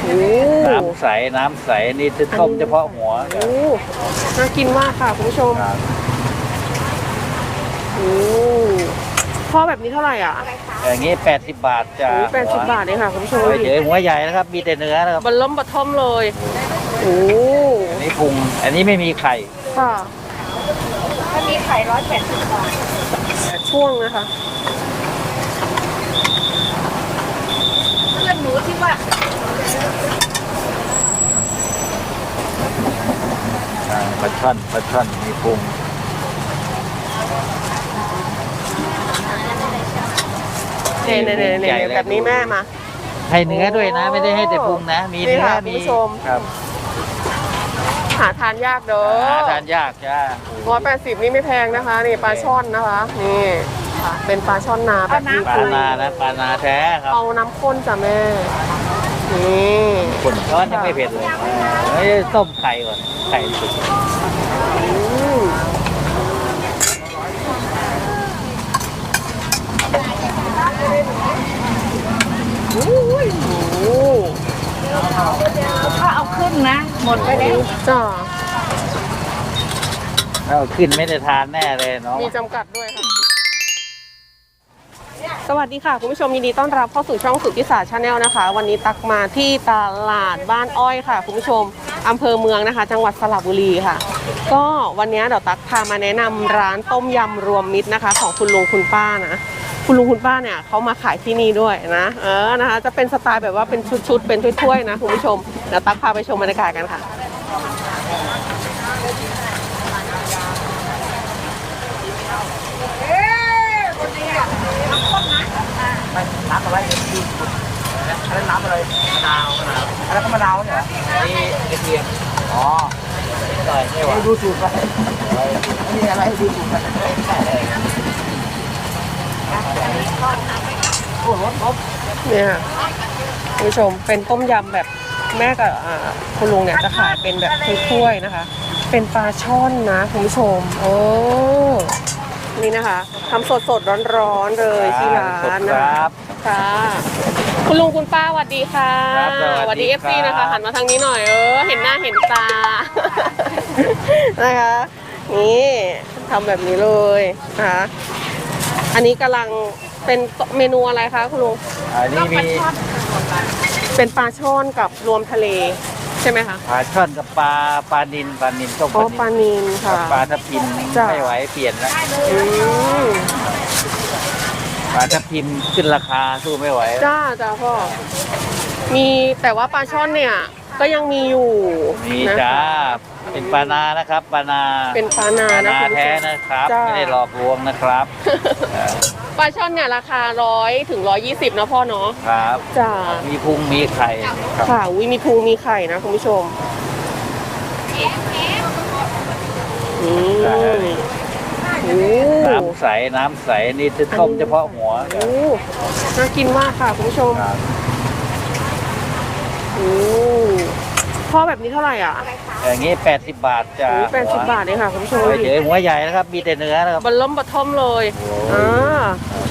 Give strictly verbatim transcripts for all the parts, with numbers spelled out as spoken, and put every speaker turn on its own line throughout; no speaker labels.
น้ำใสน้ำใสนี่จะต้มเฉพาะหัว
โอ้น่ากินมากค่ะคุณผู้ชมโอ้พ่อแบบนี้เท่าไหร่อ่ะ
อย่างนี้แปดสิบบาทจ้า
แปดสิบบาทเองค่ะคุณผู้ชม
เดี๋ยวหัวใหญ่นะครับมีแต่เนื้อนะครับ
บนล้มบะท่อมเลยโอ้
อันนี้พุงอันนี้ไม่มีไข่
ค่ะ
ถ้ามีไข่ร้อยแปดสิบบาท
ช่วงนะคะ
เพื่อนหนูที่ว่า
ปลาช่อนปลาช่อนมีพุง
เนี่ยเนี่ยเนี่ยแบบนี้แม่มา
ให้เนื้อด้วยนะไม่ได้ให้แต่พุงนะมีเนื้อมีครับ
หาทานยากเด้อ
หาทานยากจ้า
ร้อยแปดสิบนี่ไม่แพงนะคะนี่ปลาช่อนนะคะนี่เป็นปลาช่อนนาแบบนี้
ปลานานะปลานาแท้ครับ
เอาน้ำข้นจ้ะแม่นี่
ข้นก้อนยังไม่เผ็ดเลยเฮ้ยต้มไข่ก่อนไข่สุก
อุ้ยโอ้
ถ้าเอาขึ้นนะหมดไปแล้ว
จ้า
เอาขึ้นไม่ได้ทานแน่เลยเนาะ
มีจำกัดด้วยค่ะสวัสดีค่ะคุณผู้ชมยินดีต้อนรับเข้าสู่ช่องสุทธิศาสตร์ชาแนลนะคะวันนี้ตักมาที่ตลาดบ้านอ้อยค่ะคุณผู้ชมอำเภอเมืองนะคะจังหวัดสระบุรีค่ะก็วันนี้เดี๋ยวตักพามาแนะนำร้านต้มยำรวมมิตรนะคะของคุณลุงคุณป้านะคุณลุงคุณป้าเนี่ยเขามาขายที่นี่ด้วยนะเออนะคะจะเป็นสไตล์แบบว่าเป็นชุดๆเป็นถ้วยๆนะคุณผู้ชมเดี๋ยวตักพาไปชมบรรยากาศกันค่ะ
น้ำอะไรอะไรน้ำอะไรมะนาวมะนาวอะไรก็มะนาวเนี่ยนี่กระเทียมอ๋อใส่ไม่หวานดูสูตรไปนี่อะไรดูสูตรไปโอ้รสรส
เนี่ยคุณผู้ชมเป็นต้มยำแบบแม่กับคุณลุงเนี่ยจะขายเป็นแบบถ้วยๆนะคะเป็นปลาช่อนนะคุณผู้ชมโอ้นี่นะคะทำสดสดร้อนๆเลยที่ร้านนะครับค่ะคุณลุงคุณป้าสวัสดีค่ะสวัสดีเอฟซีนะคะหันมาทางนี้หน่อยเออเห็นหน้าเห็นตานะคะนี่ทำแบบนี้เลยนะคะอันนี้กำลังเป็นเมนูอะไรคะคุณลุง
อันนี้มี
เป็นปลาช่อนกับรวมทะเลใช่ไหมคะ
ปลาช่อนกับปลาปลานิลปลานิลต้ม
ปลานิลค่ะ
ปลาทับทิมไม่ไหวเปลี่ยนแล้วปลาทับทิมขึ้นราคาสู้ไม่ไหว
จ้าจ้าพ่อมีแต่ว่าปลาช่อนเนี่ยก็ยังมีอยู่
มีจ้าเป็นปลานานะครับปลานา
เป็นปลานานะ
แท้นะครับไม่ได้หลอกลวงนะครับ
ปลาช่อนเนี่ยราคาร้อยถึงร้อยยี่สิบนะพ่อเนาะ
ครับ
จ้า
มีพุงมีไข่
ค่ะวิมีพุงมีไข่นะคุณผู้ชม
น้ำใสน้ำใสนี่จะต้มเฉพาะหัว
โอ้น่ากินมากค่ะคุณผู้ชมโอ้พ่อแบบนี้เท่าไหร่อ่ะ
อย่างนี้แปดสิบบาทจ้า
แปดสิบบาทเองค่ะคุณผู้ชม
เดี๋ยวหัวใหญ่นะครับมีแต่เนื้อนะครับ
บนล้มบะท่อมเลยอ่า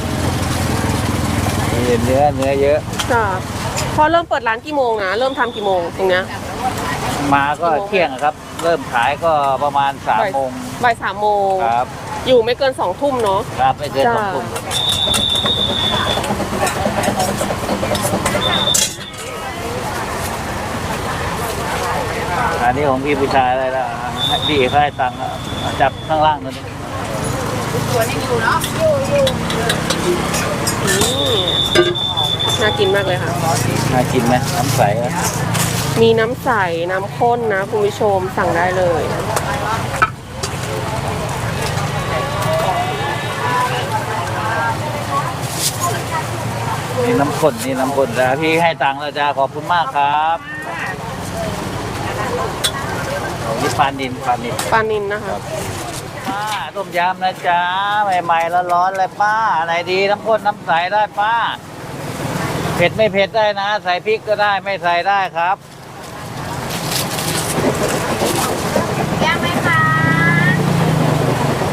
มีเนื้อเนื้อเยอะ
จ้าพอเริ่มเปิดร้านกี่โมงนะเริ่มทำกี่โมงตรงเนี้ย
มาก็เที่ยงครับเริ่มขายก็ประมาณสามโมง
บ่ายสามโมง
ครับ
อยู่ไม่เกินสองทุ่มเนาะ
ครับไม่เกินสองทุ่มอันนี้ของพี่ผู้ชายอะไรล่ะพี่เขาให้ตังค์จับข้างล่างนั่น
ตัวนี้อยู่เนาะอยู่
อยู่น่ากินมากเลยค่ะ
น่ากินไหมน้ำใส
มีน้ำใสน้ำข้นนะคุณผู้ชมสั่งได้เลย
นี่น้ำข้นนี่น้ำข้นนะพี่ให้ตังค์แล้วจ้าขอบคุณมากครับนี่ปลานิลปลานิล
ปลานิลนะคะ
ป้าต้มยำนะจ๊ะใหม่ๆแล้วร้อนเลยป้าไหนดีน้ำข้นน้ำใสได้ป้าเผ็ดไม่เผ็ดได้นะใส่พริกก็ได้ไม่ใส่ได้ครับ
ย่างไหมคะ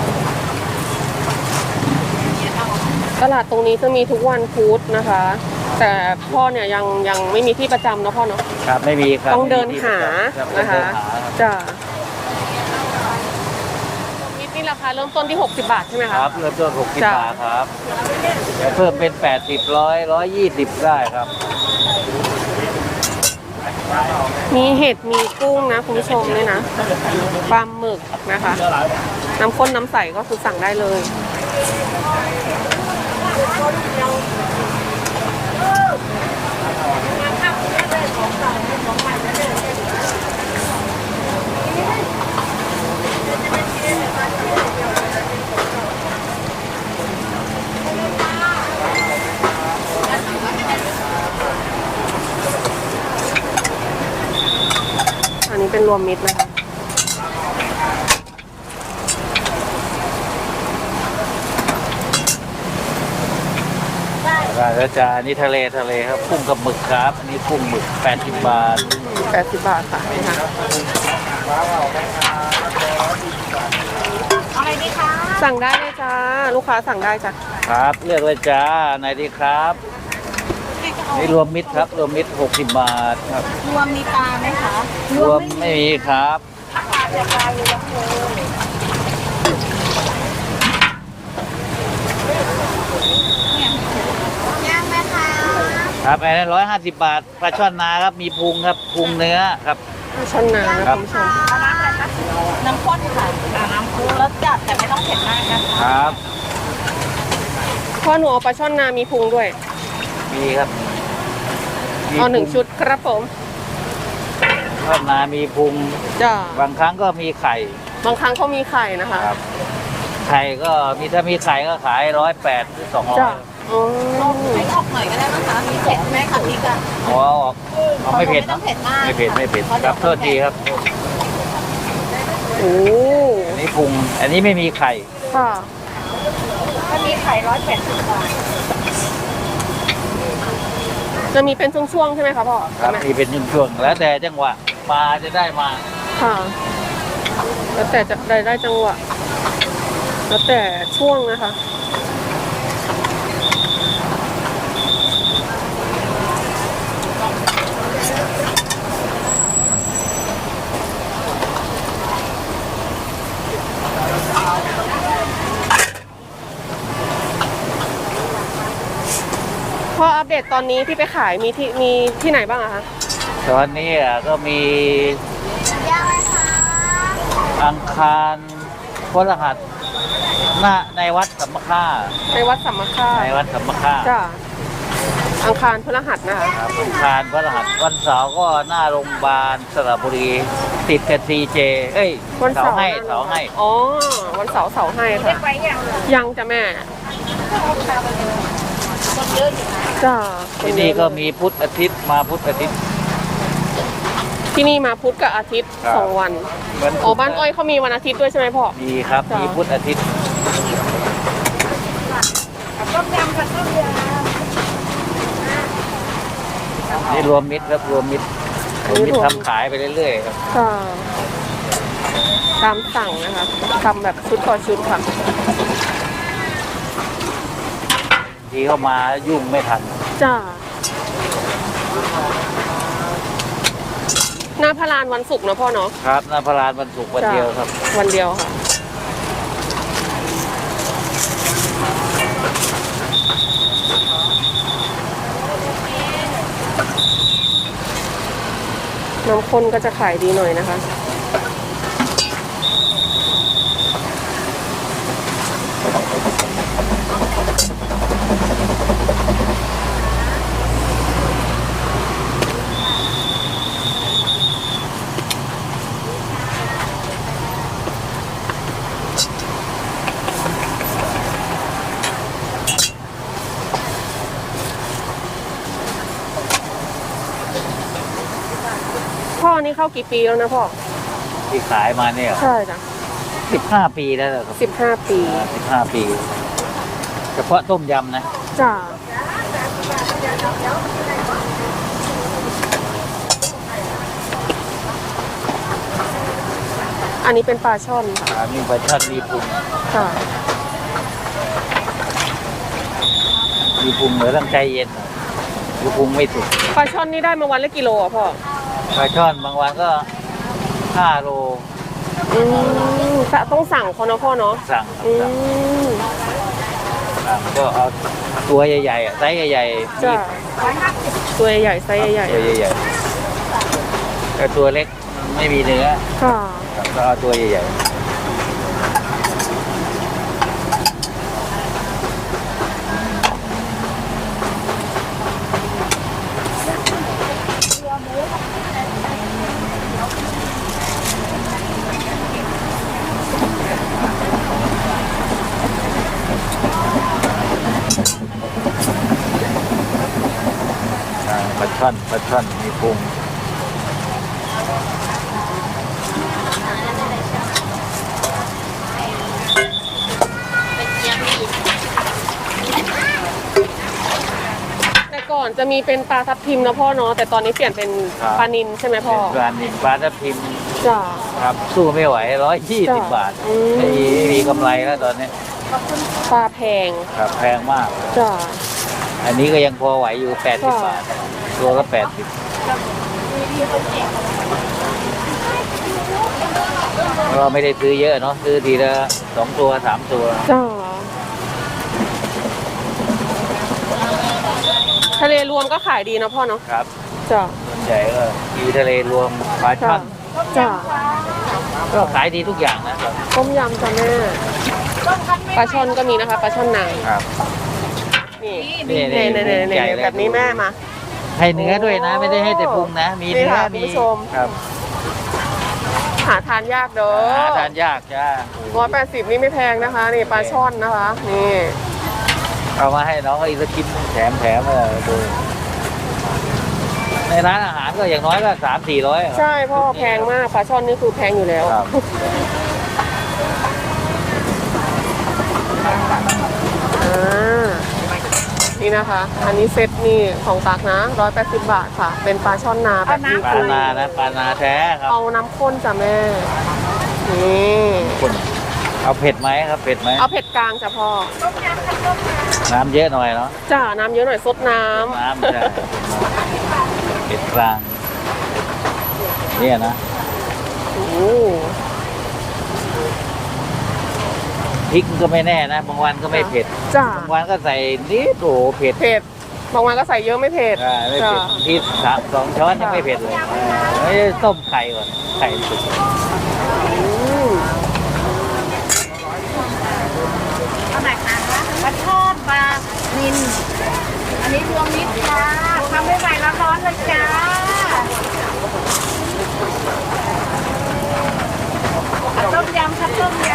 ตลาดตรงนี้จะมีทุกวันพุธนะคะแต่พ่อเนี่ยยังยังไม่มีที่ประจำเนาะพ่อเนาะ
ครับไม่มีครับ
ต้องเดินหา
ครับ
นะคะ
เดิหาครับ
จ้ะมิตรนี่ราคาเริ่มต้นที่หกสิบบาทใช่ไหม
ค
คะ
รับเริ่มต้นหกสิบ
จ้ะ
บาทครับแต่เพิ่มเป็นแปดสิบร้อยร้อยยี่สิบได้ครับ
มีเห็ดมีกุ้งนะคุณผู้ชมเนี่ยนะปลาหมึกนะคะ น้ำข้นน้ำใสก็คือสั่งได้เลย อันนี้เป็นรวมมิตรนะคะ
แล้วจะอันนี้ทะเลทะเลครับกุ้งกับหมึกครับอันนี้กุ้งหมึกแปดสิบบาท
แปดสิบบาทค่ะนี่ค่ะ
อะไรดีคะ
สั่งได้เลยจ้า ลูกค้าสั่งได้จ้ะ
ครับเลือกเลยจ้าไหนดีครับนี่รวมมิตรครับรวมมิตรหกสิบบาทครับ
รวมมีปลาไหมคะ
รวมไม่มีครับ
ย่างไหมคะ
ครับอันนี้ร้อยห้าสิบบาทปลาช่อนนาครับมีพุงครับพุงเนื้อครับ
ชนนานะ
ครั
คุ
บ
ณผู้ชม
น้ำข้นค่ะอ่าน้ำข้นรสจัดแต่ไม่ต้องเผ็ดมากนะคะ
ครับ
พ่อหนูเอาปลาช่อนนามีพุงด้วย
มีครับมี
เอาหนึ่ง
พุ
ชุดครับผม
ช่อนนามีพุง
จ้า
บางครั้งก็มีไข่
บางครั้งเขามีไข่นะคะ
ครับไข่ก็มีถ้ามีไข่ก็ขายร้อยแปดหรือสองร้อ
จ้าย อ๋อ
ไม่ออกหน่อยก็ได้นะคะมีเผ็ดไหมคะพริกอะ
อ๋อออกเอาไม่เผ็ด
ไม่ต้อ
นะ
งเผ็ดมาก
ไม่เผ็ดไม่เผ็ดครับโทษทีครับ
โอ้
อันนี้พุงอันนี้ไม่มีไข่
ค่ะ
ถ้ามีไข่ร้อยแปดสิบบาท
จะมีเป็นช่วงๆใช่ไหมคะพ่อ
ครับ
แม่
มีเป็นช่วงๆแล้วแต่จังหวะปลาจะได้มา
ค่ะ แล้วแต่จะได้ได้จังหวะ แล้วแต่ช่วงนะคะ พออัปเดตตอนนี้ที่ไปขายมีที่มีที่ไหนบ้างอะคะ
ตอนนี้อ่ะก็มี
ย่างไหมคะ
อังคารพฤหัสหน้าในวัดสัมมค่า
ในวัดสัมมาค่า
ในวัดสัมมค่า
จ้ะอังคารพฤหัสนะคะ
ครับอังคารพฤหัสวันเสาร์ก็หน้าโรงพยาบาลสระบุรีติดกับซีเจเอ้ย
วัน
เสา
เสาร์
ให้เสาให้
อ๋อ วันเสาร์เสาร์ให้ค่ะ
ไปอย่าง
ยังจ้ะแม่
คนเยอะอยู่นะ
จ้ะ
ที่นี่ก็มีพุธอาทิตย์มาพุธอาทิตย์
ที่นี่มาพุธกับอาทิตย์
ครับ
สองวัน
วันศุกร์
อ๋อบ้านอ้อยเขามีวันอาทิตย์ด้วยใช่ไหมพ่อ
มีครับ
จ้ะ
มีพุธอาทิตย์
ต้มยำกับต้มย
นี่รวมมิตรครับรวมมิตรรวมมิตรทำขายไปเรื่อยๆครับ
ค่ะตามสั่งนะคะทำแบบชุดต่อชุดค่ะ
ทีเข้ามายุ่งไม่ทัน
จ้าหน้าพระลานวันศุกร์นะพ่อเนาะ
ครับหน้าพระลานวันศุกร์วัน
จ้ะ
เดียวครับ
วันเดียวค่ะ น้ำข้นก็จะขายดีหน่อยนะคะ พ่อนี่เข้ากี่ปีแล้วนะพ่อ
ที่ขายมาเนี่ย
ใช่จ้ะ
สิบห้าปีแล้วเหรอครับ
สิบห้าปี
สิบห้าปี เฉพาะต้มยำนะ
จ้าอันนี้เป็นปลาช่อนค่ะ
อ่ามีปลาช่อนมีพุง
ค่ะ
มีพุงเหมือนต้องใจเย็นหน่อยคือพุงไม่สุก
ปลาช่อนนี่ได้มาวันละกิโลอ่ะพ่อ
ปลาช่อนบางวันก็ห้าโล
อืมต้องสั่งเขาเนาะพ่อเนาะ
สั่ง
อื
สั่ง
ม
สั่งก็เอาตัวใหญ่ๆอะไซส์ใหญ่ๆ
จ้ะ
มี
ตัวใหญ่ไซส์ใหญ่
ตัวใหญ่ๆแต่ตัวเล็กไม่มีเนื้อ
ๆค่ะ
ครับก็เอาตัวใหญ่ๆ ปลาช่อนปลาช่อนมีพุง
แต่ก่อนจะมีเป็นปลาทับทิมนะพ่อเนาะแต่ตอนนี้เปลี่ยนเป็นปลานิลใช่ไหมพ่อ
ปลานิลปลาทับทิม
จ้ะ
ครับสู้ไม่ไหวร้อยยี่สิบ
จ้ะ
บาท
อืม
ไม่มีไม่มีกำไรแล้วตอนนี้
ปลาแพง
ครับแพงมาก
จ้ะ
อันนี้ก็ยังพอไหวอยู่แปดสิบ
ค่ะ
บาท ตัวละแปดสิบเราไม่ได้ซื้อเยอะเนาะซื้อทีละสองตัวสามตัว
จ้ะทะเลรวมก็ขายดีนะพ่อเนาะ
ครับ
จ้ะ
ส่วนใหญ่ก็มีทะเลรวมปลาช่
จ้ะ
อน
จ้ะ
ก็ขายดีทุกอย่างนะครับ
ต้มยำจ้ะแม่ปลาช่อนก็มีนะคะปลาช่อนนาง
ครับ
นี่
นี่
นี่
นี่
นี่นี่
ใหญ่เลย
แบบนี้แม่มา
ให้เนื้อด้วยนะ ไม่ได้ให้แต่พุงนะ มี
นี่
เนื้อ
ค่ะ
มี
คุณผู้ชม
ครับ
หาทานยากเด้อ
หาทานยากจ้า
ร้อยแปดสิบนี่ไม่แพงนะคะ นี่ปลาช่อนนะคะ นี่
เอามาให้น้องอีกสักชิ้นแถมแถมเออดูในร้านอาหารก็อย่างน้อยก็สามสี่ร้อย
ใช่พ่อแพงมากปลาช่อนนี่คือแพงอยู่แล้ว
ครับ
อ่านี่นะคะ อันนี้เซตนี่ของตักนะร้อยแปดสิบบาทค่ะ เป็นปลาช่อนนาแบบนี้
ปลา
คือ
นานะปลานาแท้ครับ
เอาน้ำข้นจ้ะแม่ นี่
คนเอาเผ็ดไหมครับเผ็ดไหม
เอาเผ็ดกลางจ้ะพ่อ
น้ำเยอะหน่อยเนาะ
จ้าน้ำเยอะหน่อยซดน้ำ
น้ำใช่เผ็ดกลางเนี่ยนะ
โอ้
พริกก็ไม่แน่นะบางวันก็ไม่เผ็ด
จ้า
บางวันก็ใส่นิดโอ้โหเผ็ด
เผ็ด บางวันก็ใส่เยอะไม่เผ็ด
ใช่ไม่
จ้า
เผ็ดที่สามสองช้อนยังไม่เผ็ดเลยเอ้ยต้มไข่ก่อนไข่สุก
อืม
เอาไหนคะปลาทอดปลานิลอันนี้รวมมิตรจ้าทำใหม่ๆร้อนๆเลยจ้าเอาต้มยำครับต้มย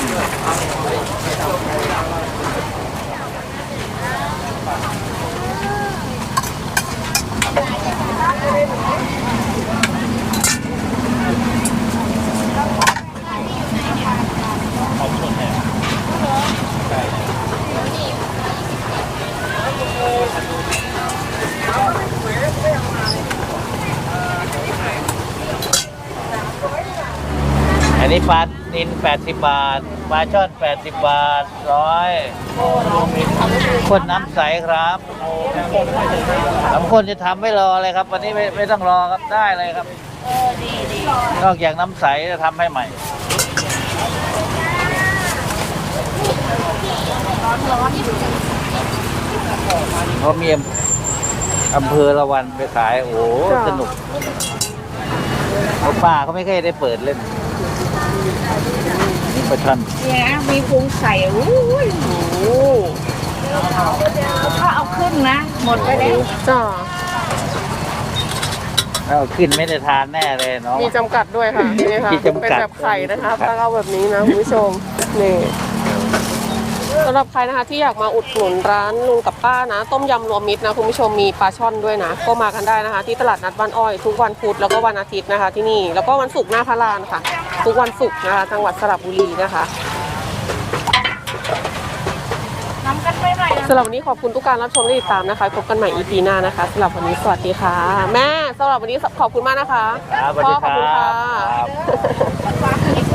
อันนี้ปลานินแปดสิบบาทปลาช่อนแปดสิบบาทร้อยคนน้ำใสครับน้ำข้นจะทำไม่รอเลยครับ วันนี้ไม่ไม่ต้องรอครับได้เลยครับนอกจากน้ำใสจะทำให้ใหม่เพราะมีอำเภอละวันไปขายโอ้โหสนุกเพราะป้าเขาไม่เคยได้เปิดเล่นนี่ปลาช่อน
ำเนี่ยมีพุงใส่อู้ย
โอ้
ถ้าเอาขึ้นนะ หมดไปแล้ว
จ้า
เอาขึ้นไม่ได้ทานแน่เลยเนาะ
มีจำกัดด้วยค่ะ นี่ค่ะ
มีจำกัด
เป็นแบบไข่นะคะถ้าเอาแบบนี้นะคุณผู้ชม นี่สำหรับใครนะคะที่อยากมาอุดหนุนร้านลุงกับป้านะ ต้มยำรวมมิตรนะคุณผู้ชมมีปลาช่อนด้วยนะ ก็มากันได้นะคะ ที่ตลาดนัดบ้านอ้อย ทุกวันพุธแล้วก็วันอาทิตย์นะคะ ที่นี่แล้วก็วันศุกร์หน้าพระลานค่ะ ทุกวันศุกร์นะคะจังหวัดสระบุรีนะคะ
น้ำกันไม่ไหว
สำหรับวันนี้ขอบคุณทุกการรับชมและติดตามนะคะพบกันใหม่ อี พี หน้านะคะสำหรับวันนี้สวัสดีค่ะ แม่สำหรับวันนี้ขอบคุณมากนะคะ
ครับสวัส
พ่อ
ดี
ขอบคุณ
ครั
ค่ะ
บครับ